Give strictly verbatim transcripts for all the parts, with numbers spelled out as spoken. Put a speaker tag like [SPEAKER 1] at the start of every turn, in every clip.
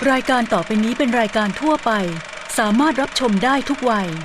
[SPEAKER 1] รายการต่อไปนี้เป็นรายการทั่วไปสามารถรับชมได้ทุกวัย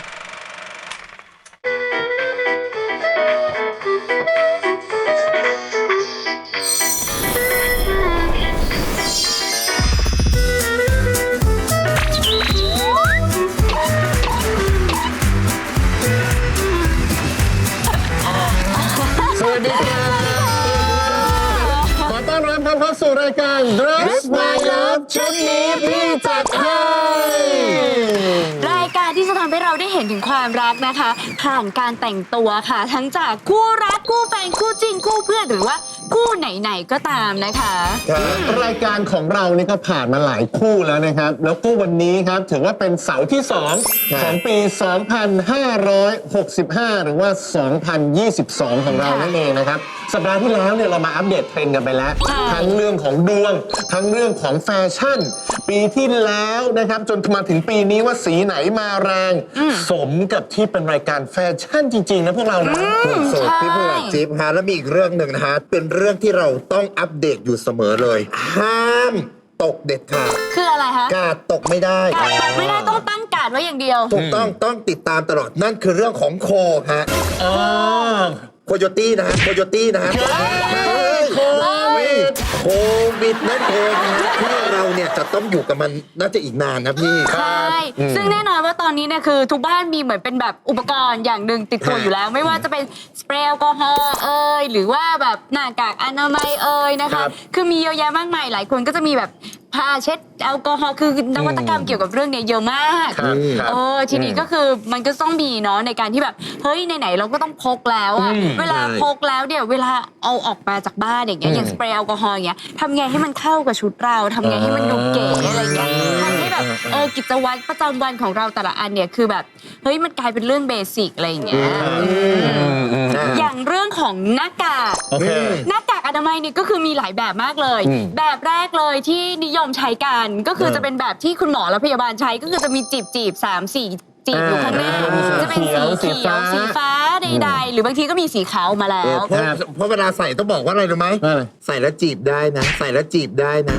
[SPEAKER 2] สวัสดีครับขอต้อนรับเข้าสู่รายการ Dress My Love ชุดนี้พี่จัดให้
[SPEAKER 3] รายการที่จะทำให้เราได้เห็นถึงความรักนะคะผ่านการแต่งตัวค่ะทั้งจากคู่รักคู่แฟนคู่จริงคู่เพื่อนหรือว่าคู่ไหนๆก็ตามนะคะ
[SPEAKER 2] รายการของเรานี่ก็ผ่านมาหลายคู่แล้วนะครับแล้วคู่วันนี้ครับถือว่าเป็นเสาร์ที่สองของปี สองพันห้าร้อยหกสิบห้า หรือว่า สองพันยี่สิบสอง ของเรานั่นเองนะครับสัปดาห์ที่แล้วเนี่ยเรามาอัปเดตเทรนด์กันไปแล้วทั้งเรื่องของดวงทั้งเรื่องของแฟชั่นปีที่แล้วนะครับจนมาถึงปีนี้ว่าสีไหนมาแรงสมกับที่เป็นรายการแฟชั่นจริงๆนะพวกเรานะ
[SPEAKER 4] สุดพี่เพื่อนจิ๊บฮะแล้วมีอีกเรื่องหนึ่งนะฮะเป็นเรื่องที่เราต้องอัปเดตอยู่เสมอเลยห้ามตกเด็ดขาด
[SPEAKER 3] คืออะไรคะ
[SPEAKER 4] กาดตกไม่ได้
[SPEAKER 3] กาดตกไม่ได้ต้องตั้งกาดไว้อย่างเดียว
[SPEAKER 4] ถูกต้องต้องติดตามตลอดนั่นคือเรื่องของโคฮะโคโยตี้นะฮะโคโยตี้นะฮะโควิดโควิดนั่นเองนะที่เราเนี่ยจะต้องอยู่กับมันน่าจะอีกนานนะพี่
[SPEAKER 3] ใช่ซึ่งแน่นอนว่าตอนนี้เนี่ยคือทุกบ้านมีเหมือนเป็นแบบอุปกรณ์อย่างหนึ่งติดตัวอยู่แล้วไม่ว่าจะเป็นสเปรย์แอลกอฮอล์เอ่ยหรือว่าแบบหน้ากากอนามัยเอ่ยนะคะคือมีเยอะแยะมากมายหลายคนก็จะมีแบบผ้าเช็ดแอลกอฮอล์คือนวัตกรรมเกี่ยวกับเรื่องนี้เยอะมากเออทีนี้ก็คือมันก็ต้องมีเนาะในการที่แบบเฮ้ยไหนๆเราก็ต้องพกแล้วอะเวลาพกแล้วเนี่ยเวลาเอาออกมาจากบ้านอย่างเงี้ยอย่างสเปรย์แอลกอฮอล์อย่างเงี้ยทำไงให้มันเข้ากับชุดเราทำไงให้มันดูเก๋อะไรเงี้ยทำให้แบบเออกิจวัตรประจำวันของเราแต่ละอันเนี่ยคือแบบเฮ้ยมันกลายเป็นเรื่องเบสิกอะไรอย่างเงี้ยอย่างเรื่องของหน้ากากหน้ากากอนามัยนี่ก็คือมีหลายแบบมากเลยแบบแรกเลยที่นิยมใช้กันก็คือจะเป็นแบบที่คุณหมอและพยาบาลใช้ก็คือจะมีจีบจีบสามสี่จีบอยู่ข้างหน้าจะเป็นสีเขียวสีฟ้าใดๆหรือบางทีก็มีสีขาวมาแล้ว
[SPEAKER 4] เพราะเวลาใส่ต้องบอกว่าอะไรรู้ไหมใส่แล้วจีบได้นะใส่แล้วจีบได้นะ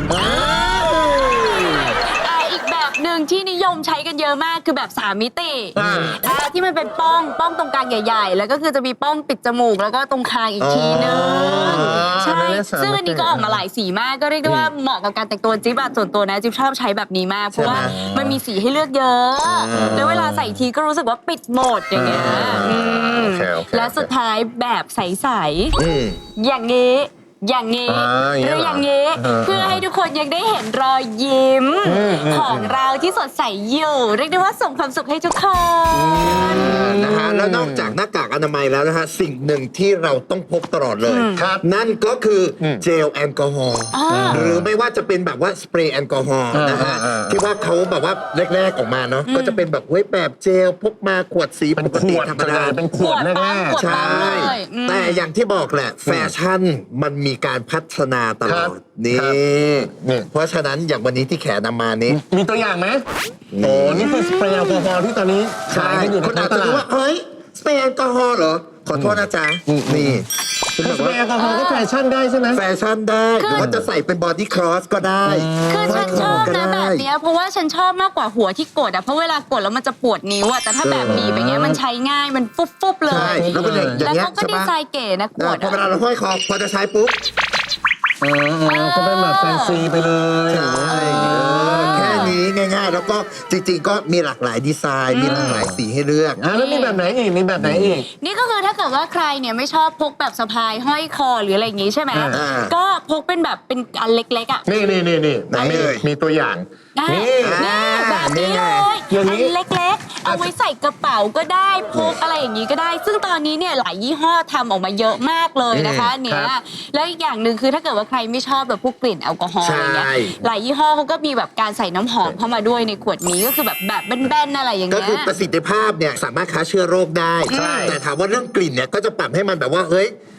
[SPEAKER 3] หนึ่งที่นิยมใช้กันเยอะมากคือแบบสามมิติที่มันเป็นป้องป้องตรงกลางใหญ่ๆแล้วก็คือจะมีป้องปิดจมูกแล้วก็ตรงคางอีกทีนึงใช่ซึ่งอันนี้ก็ออกมาหลายสีมากก็เรียกได้ว่าเหมาะกับการแต่งตัวจิ๊บอะส่วนตัวนะจิ๊บชอบใช้แบบนี้มากเพราะว่ามันมีสีให้เลือกเยอะแล้วเวลาใส่ทีก็รู้สึกว่าปิดหมดอย่างเงี้ยและสุดท้ายแบบใสๆอย่างนี้อย่างนี้หรืออย่างนี้เพื่อให้ทุกคนยังได้เห็นรอยยิ้มของเราที่สดใสอยู่เรียกได้ว่าส่งความสุขให้ทุกคน
[SPEAKER 4] นะฮะแล้วนอกจากหน้ากากอนามัยแล้วนะฮะสิ่งหนึ่งที่เราต้องพกตลอดเลยนั่นก็คือเจลแอลกอฮอล์หรือไม่ว่าจะเป็นแบบว่าสเปรย์แอลกอฮอล์นะฮะที่ว่าเขาแบบว่าแรกๆออกมาเนาะก็จะเป็นแบบเว้ยแบบเจลพกมาขวดสีปกติธรรมดา
[SPEAKER 2] เป็นขวดแรก
[SPEAKER 4] ๆใช่แต่อย่างที่บอกแหละแฟชั่นมันมีการพัฒนาตลอดนี่เพราะฉะนั้นอย่างวันนี้ที่แขนนำมานี้
[SPEAKER 2] มีตัวอย่างไหมโอ้นี่คือสเปรย์แอลกอฮอล์ที่ตอนนี้ขายกันอยู่ในตลาด
[SPEAKER 4] ว่าเฮ้ยสเปรย์แอลกอฮอล์เหรอขอโทษนะจ๊ะนี่
[SPEAKER 2] สเปรย์แอลกอฮอล์ก็แฟชั่นได้ใช่ไหม
[SPEAKER 4] แฟชั่นได้หรือว่าจะใส่เป็นบอดี้ครอสก็ได้
[SPEAKER 3] คือฉันชอบนะแบบนี้เพราะว่าฉันชอบมากกว่าหัวที่กดอ่ะเพราะเวลากดแล้วมันจะปวดนิ้วอ่ะแต่ถ้าแบบบีบอย่างเงี้ยมันใช้ง่ายมันฟุบๆเลยแล้วเขาก็ดีไซน์เก๋นะกด
[SPEAKER 4] พอเวลาเราห้อยคอพอจะใช้ปุ๊บ
[SPEAKER 2] อ๋อก็เป็นแบบแฟนซีไปเลย
[SPEAKER 4] แค่นี้ง่ายๆแล้วก็จริงๆก็มีหลากหลายดีไซน์มีหลากหลายสีให้เลือก
[SPEAKER 2] อ่ะแล้วมีแบบไหนอีกมีแบบไหนอีก
[SPEAKER 3] นี่ก็คือถ้าเกิดว่าใครเนี่ยไม่ชอบพกแบบสะพายห้อยคอหรืออะไรอย่างงี้ใช่ไหมก็พกเป็นแบบเป็นอันเล็กๆอ่ะ
[SPEAKER 2] นี่นี่นี่นี่มีตัวอย่าง
[SPEAKER 3] นี่แบบนี้เลยอันเล็กๆเอาไว้ใส่กระเป๋าก็ได้พกอะไรอย่างนี้ก็ได้ซึ่งตอนนี้เนี่ยหลายยี่ห้อทำออกมาเยอะมากเลยนะคะเนี่ยแล้วอีกอย่างหนึ่งคือถ้าเกิดว่าใครไม่ชอบแบบพวกกลิ่นแอลกอฮอล์อะไรเงี้ยหลายยี่ห้อเขาก็มีแบบการใส่น้ำหอมเข้ามาด้วยในขวดนี้ก็คือแบบแบบแบนๆอะไรอย่างเงี้ย
[SPEAKER 4] ก็คือประสิทธิภาพเนี่ยสามารถฆ่าเชื้อโรคได้แต่ถามว่าเรื่องกลิ่นเนี่ยก็จะปรับให้มันแบบว่าเฮ้ย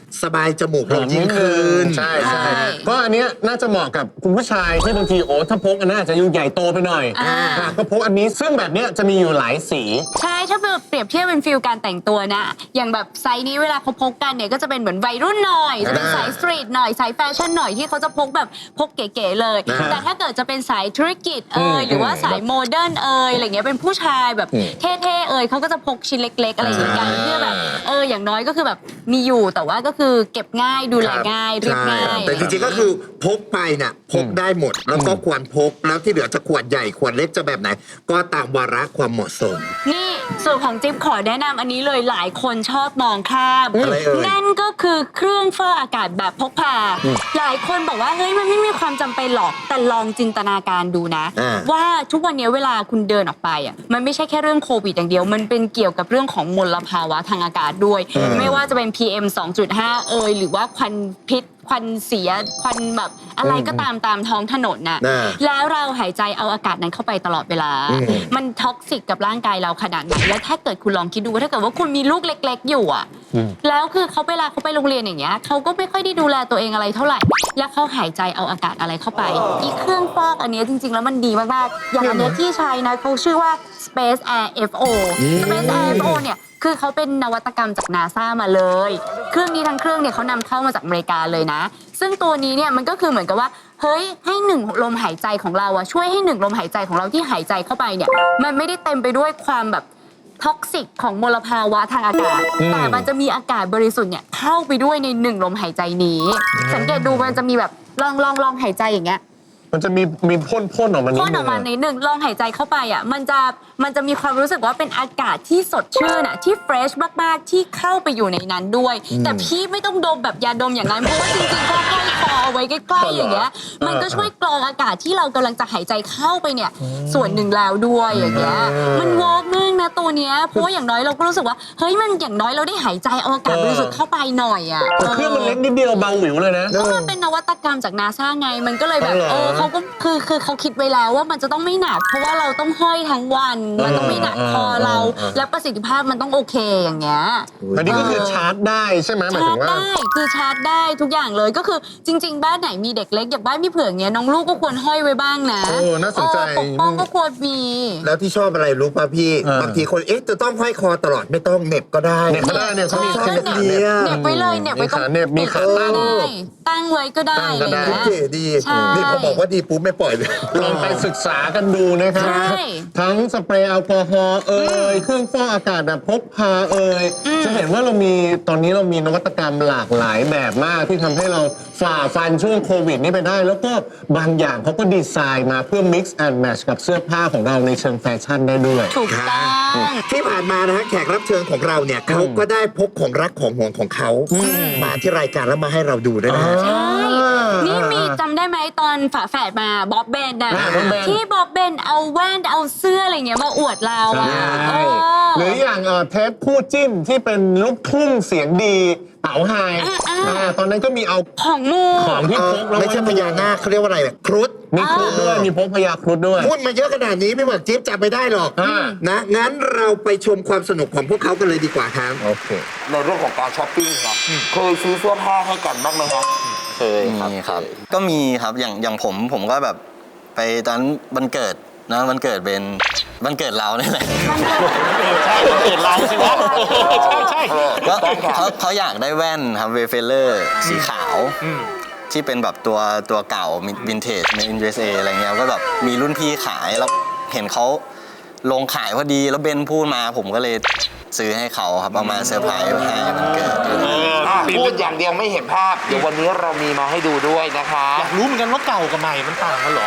[SPEAKER 4] สบายจมูกลงยิ่งขึ้น
[SPEAKER 2] ใช่ใช่ก็อันเนี้ยน่าจะเหมาะกับคุณผู้ชายที่บางทีโอ้ถ้าพกอันนั้นอาจจะอยู่ใหญ่โตไปหน่อยอ่ะก็พกอันนี้ซึ่งแบบเนี้ยจะมีอยู่หลายสี
[SPEAKER 3] ใช่ถ้าเปรียบเทียบเป็นฟิลการแต่งตัวนะอย่างแบบไซส์นี้เวลาเขาพกกันเนี่ยก็จะเป็นเหมือนวัยรุ่นหน่อยจะเป็นสายสตรีทหน่อยสายแฟชั่นหน่อยที่เขาจะพกแบบพกเก๋ๆเลยแต่ถ้าเกิดจะเป็นสายธุรกิจเอยหรือว่าสายโมเดิร์นเอยอะไรเงี้ยเป็นผู้ชายแบบเท่ๆเอยเขาก็จะพกชิ้นเล็กๆอะไรอย่างเงี้ยเพื่อแบบเอออย่างน้อยก็คือแบบมีอยู่แต่ว่าก็คือเก็บง่ายดูแลง่ายเรียบง่าย
[SPEAKER 4] แต่จริงๆก็คือพกไปน่ะพกได้หมดแล้วก็ควรพกแล้วที่เหลือจะขวดใหญ่ขวดเล็กจะแบบไหนก็ตามวาระความเหมาะสม
[SPEAKER 3] นี่ส่วนของจิ๊บขอแนะนำอันนี้เลยหลายคนชอบมองข้าม
[SPEAKER 4] อะไรเอ่ย
[SPEAKER 3] นั่นก็คือเครื่องฟอกอากาศแบบพกพาหลายคนบอกว่าเฮ้ยมันไม่มีความจำเป็นหรอกแต่ลองจินตนาการดูนะว่าทุกวันนี้เวลาคุณเดินออกไปอ่ะมันไม่ใช่แค่เรื่องโควิดอย่างเดียวมันเป็นเกี่ยวกับเรื่องของมลภาวะทางอากาศด้วยไม่ว่าจะเป็น พี เอ็ม สองจุดห้า เอ่ยหรือว่าควันพิษควันเสียควันแบบอะไรก็ตามตามท้องถนนน่ะแล้วเราหายใจเอาอากาศนั้นเข้าไปตลอดเวลามันท็อกซิกกับร่างกายเราขนาดไหนแล้วถ้าเกิดคุณลองคิดดูว่าถ้าเกิดว่าคุณมีลูกเล็กๆอยู่อ่ะแล้วคือเขาเวลาเขาไปโรงเรียนอย่างเงี้ยเขาก็ไม่ค่อยได้ดูแลตัวเองอะไรเท่าไหร่แล้วเขาหายใจเอาอากาศอะไรเข้าไปอีเครื่องฟอกอันนี้จริงๆแล้วมันดีมากๆอย่างอันนี้ที่ใช้นะเขาชื่อว่า Space Air เอฟ โอ Space Air เอฟ โอ เนี่ยคือเขาเป็นนวัตกรรมจาก นาซ่า มาเลยเครื่องนี้ทั้งเครื่องเนี่ยเขานำเข้ามาจากอเมริกาเลยนะซึ่งตัวนี้เนี่ยมันก็คือเหมือนกับว่าเฮ้ยให้หนึ่งลมหายใจของเราอะช่วยให้หนึ่งลมหายใจของเราที่หายใจเข้าไปเนี่ยมันไม่ได้เต็มไปด้วยความแบบท็อกซิกของมลภาวะทางอากาศแต่มันจะมีอากาศบริสุทธิ์เนี่ยเข้าไปด้วยในหนึ่งลมหายใจนี้สังเกตดูมันจะมีแบบลองลองลองหายใจอย่างเงี้ย
[SPEAKER 2] มันจะมีมีพ่นพ่นออกมานิดนึง
[SPEAKER 3] พ่นออกมาในหนึ่งลองหายใจเข้าไปอ่ะมันจะมันจะมีความรู้สึกว่าเป็นอากาศที่สดชื่นอ่ะที่เฟรชมากๆที่เข้าไปอยู่ในนั้นด้วยแต่พี่ไม่ต้องดมแบบยาดมอย่างนั้นเพราะว่าจริงๆก็ห้อยคอเอาไว้ใกล้ๆอย่างเงี้ยมันก็ช่วยกรองอากาศที่เรากำลังจะหายใจเข้าไปเนี่ยส่วนหนึ่งแล้วด้วยอย่างเงี้ยมันเวิร์กมากนะตัวเนี้ยเพราะว่าอย่างน้อยเราก็รู้สึกว่าเฮ้ยมันอย่างน้อยเราได้หายใจเอาอากาศบริสุทธิ์เข้าไปหน่อยอ่ะ
[SPEAKER 2] เครื่องมันเล็กนิดเดียวเบาหวิวเลยนะ
[SPEAKER 3] ก็มันเป็นนวัตกรรมจาก นาซ่า ไงมันก็เลยแบบเออเขาก็คือคือเขาคิดไว้แล้วว่ามันจะต้องไม่หนักเพราะว่าเราต้องห้อยทั้งวันมันต้องไม่หนักคอเราและประสิทธิภาพมันต้องโอเคอย่างเงี้ย
[SPEAKER 2] อันนี้ก็คือชาร์จได้ใช่ไหมหมายถึงว่า
[SPEAKER 3] ชาร์จได้คือชาร์จได้ทุกอย่างเลยก็คือจริงๆบ้านไหนมีเด็กเล็กอย่างบ้านพี่เผือกเนี้ยน้องลูกก็ควรห้อยไว้บ้างนะ
[SPEAKER 2] โอ้น่าสนใจ
[SPEAKER 3] ปกป้องก็ควรมี
[SPEAKER 4] แล้วที่ชอบอะไรรู้ป่ะพี่บางทีคนเอ๊ะจะต้องห้อยคอตลอดไม่ต้องเหน็บก็ได้
[SPEAKER 2] เหน็บก็ได้เนี่ยเขามี
[SPEAKER 3] เหน็บไว้เลยเหน็บไว้ตรง
[SPEAKER 2] เหน็บมีขาตั้ง
[SPEAKER 3] ตั้งไว้ก็ได้
[SPEAKER 2] อะไร
[SPEAKER 3] เงี้ย
[SPEAKER 4] เก๋ดีนี่พอบอกว่าดีปุ๊บไม่ปล่อยเลย
[SPEAKER 2] ลองไปศึกษากันดูนะครับทั้งสเปรย์แอลกอฮอล์เอ่ยเครื่องฟอกอากาศแบบพกพาเอ่ยจะเห็นว่าเรามีตอนนี้เรามีนวัตกรรมหลากหลายแบบมากที่ทำให้เราฝ่าฟันช่วงโควิดนี้ไปได้แล้วก็บางอย่างเขาก็ดีไซน์มาเพื่อ mix and match กับเสื้อผ้าของเราในเชิงแฟชั่นได้ด้วย
[SPEAKER 3] ถูกต้อง
[SPEAKER 4] ที่ผ่านมานะฮะแขกรับเชิญของเราเนี่ยเขาก็ได้พกของรักของห่วงของเขามาที่รายการแล้วมาให้เราดูด้วยนะ
[SPEAKER 3] ใช่นี่มีจำได้ไหมตอนฝาแฝดมาบ๊อบเบนนะที่บ๊อบเบนเอาแว่นเอาเสื้ออะไรเงี้ยมาอวดเราอ่ะ
[SPEAKER 2] หรืออย่างเทปคู่จิ้นที่เป็นลูกทุ่งเสียงดีเต๋าไฮตอนนั้นก็มีเอา
[SPEAKER 3] ของมู
[SPEAKER 2] ของที่พก
[SPEAKER 4] ไม่ใช่พญานาคเขาเรียกว่าอะไรครุฑ
[SPEAKER 2] มีครุฑด้วยมีพกพญาครุฑด้วย
[SPEAKER 4] พูดมาเยอะขนาดนี้ไม่หมดจิ๊บจำไม่ได้หรอกนะงั้นเราไปชมความสนุกของพวกเขากันเลยดีกว่าครับ
[SPEAKER 2] โอเค
[SPEAKER 5] ในเรื่องของการช้อปปิ้งครับเคยซื้อเสื้อผ้าให้กันบ้างไหมครับ
[SPEAKER 6] เคยครับครับก็มีครับอย่างอย่างผมผมก็แบบไปตอนวันเกิดนะวันเกิดเป็นวันเกิดเราเนี่ยแหละ
[SPEAKER 5] ใช่วันเกิดเราสิวะใช่ใช่
[SPEAKER 6] ก็เขาเขาอยากได้แว่นครับเวเฟลเลอร์สีขาวที่เป็นแบบตัวตัวเก่าวินเทจใน ยู เอส เอ อะไรเงี้ยก็แบบมีรุ่นพี่ขายแล้วเห็นเขาลงขายพอดีแล้วเบนพูดมาผมก็เลยซื้อให้เขาครับเอามาเซอร์ไพรส์ให้มันเกิด
[SPEAKER 5] พูดอย่างเดียวไม่เห็นภาพเดี๋ยววันนี้เรามีมาให้ดูด้วยนะคะอยากรู้เหมือนกันว่าเก่ากับใหม่มันต่างกันเหรอ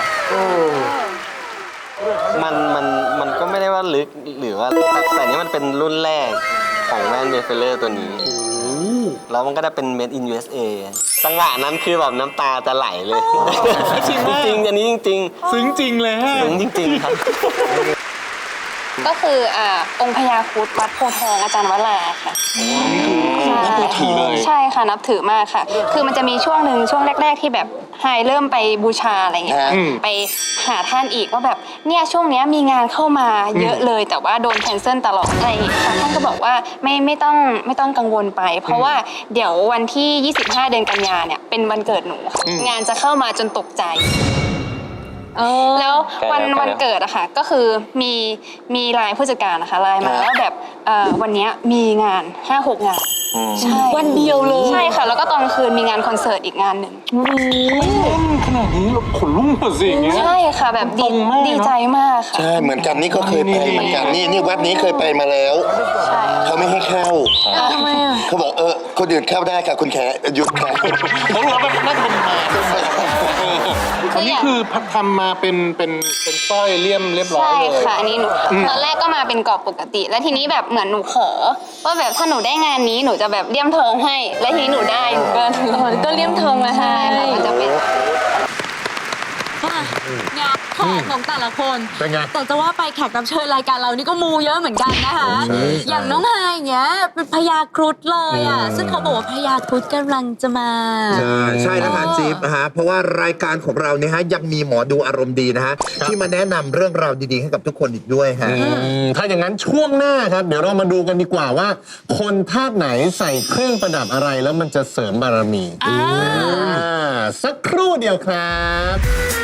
[SPEAKER 7] มันมันมันก็ไม่ได้ว่าลึกหรือว่าแต่นี้มันเป็นรุ่นแรกของแว่นเวเฟลเลอร์ตัวนี้แล้วมันก็ได้เป็น made in ยู เอส เอ จังหวะนั้นคือแบบน้ำตาจะไหลเลยจริงจริงอันนี้จริง
[SPEAKER 5] ๆซึ้งจริงเลยฮะ
[SPEAKER 7] ซึ้งจริงๆครับ
[SPEAKER 8] ก็คืออ่าองค์พญาครุฑวัดโพธิ์ทองอาจารย์วราค่ะ
[SPEAKER 5] นับถือเลย
[SPEAKER 8] ใช่ค่ะนับถือมากค่ะคือมันจะมีช่วงหนึ่งช่วงแรกๆที่แบบไฮเริ่มไปบูชาอะไรเงี้ยไปหาท่านอีกว่าแบบเนี่ยช่วงเนี้ยมีงานเข้ามาเยอะเลยแต่ว่าโดนแคนเซิลตลอดอะไรอย่างเงี้ยค่ะท่านก็บอกว่าไม่ไม่ต้องไม่ต้องกังวลไป เพราะว่าเดี๋ยววันที่ยี่สิบห้าเดือนกันยาเนี่ยเป็นวันเกิดหนูค่ะงานจะเข้ามาจนตกใจแล้ววันวันเกิดอะค่ะก็คือมีมีไลน์ผู้จัดการนะคะไลน์มาว่าแบบเอ่อวันเนี้ยมีงาน ห้าหก งานใช่วันเดียวเลยใช่ค่ะแล้วก็ตอนคืนมีงานคอนเสิร์ตอีกงานหนึ่ง
[SPEAKER 2] ขนาดนี้เราขนลุกหมดสิอย่างเงี้ย
[SPEAKER 8] ใช่ค่ะแบบดีดีใจมากค่ะ
[SPEAKER 4] ใช่เหมือนกันนี่ก็เคยไปเหมือนกันนี่นี่วัดนี้เคยไปมาแล้ว
[SPEAKER 8] ใช่
[SPEAKER 4] เขาไม่ให้เข้า
[SPEAKER 8] ทำไมอะ
[SPEAKER 4] เขาบอกเออคนอื่นเข้าได้ค่ะคุณแขหยุดค่ะ
[SPEAKER 2] เขารู้ว่าน่าจะเป็นมาอันนี้คือทำมาเป็นเป็นเป็นสร้อยเลี่ยมเรียบร้อย
[SPEAKER 8] ใช่
[SPEAKER 2] เลย
[SPEAKER 8] ค่ะอันนี้หนูตอนแรกก็มาเป็นกรอบปกติ แล้วทีนี้แบบเหมือนหนูขอว่าแบบถ้าหนูได้งานนี้หนูจะแบบเลี่ยมทองให้ แล้วทีนี้หนูได้หนูก็ก็เลี่ยมทองมาให้ค่ะมันจะเป็น
[SPEAKER 3] ค่ะงานแขกของแต่ละคน
[SPEAKER 2] เป็นไง
[SPEAKER 3] แต่จะว่าไปแขกรับเชิญรายการเรานี่ก็มูเยอะเหมือนกันนะคะ อย่างน้องไฮอย่างเงี้ยเป็นพญาครุฑเลยอ่ะ ซึ่งเขาบอกว่าพญาครุฑกำลังจะมา
[SPEAKER 4] ใช่ใช่นะคะจิ๊บนะฮะเพราะว่ารายการของเราเนี่ยฮะยังมีหมอดูอารมณ์ดีนะฮะที่มาแนะนำเรื่องราวดีๆให้กับทุกคนอีกด้วยฮะ
[SPEAKER 2] อืมถ้าอย่างนั้นช่วงหน้าครับ เดี๋ยวเรามาดูกันดีกว่าว่า คนธาตุไหนใส่เครื่องประดับอะไรแล้วมันจะเสริมบารมีอ่าสักครู่เดียวครับ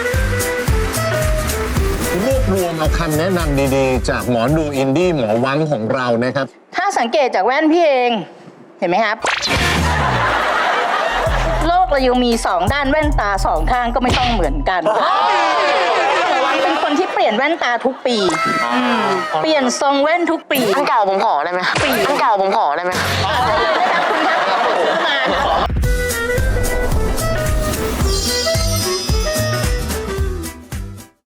[SPEAKER 2] รวบรวมเอาคำแนะนำดีๆ จากหมอดูอินดี้หมอวังของเรานะครับ
[SPEAKER 9] ถ้าสังเกตจากแว่นพี่เองเห็นไหมครับ โลกเรายังมีสองด้านแว่นตาสองข้างก็ไม่ต้องเหมือนกันระวังเป็นคนที่เปลี่ยนแว่นตาทุกปีเปลี่ยนทรงแว่นทุกปี
[SPEAKER 8] อันเก่าผมขอได้ไหม
[SPEAKER 9] ปี
[SPEAKER 8] อันเก่าผมขอได้ไหม
[SPEAKER 9] ป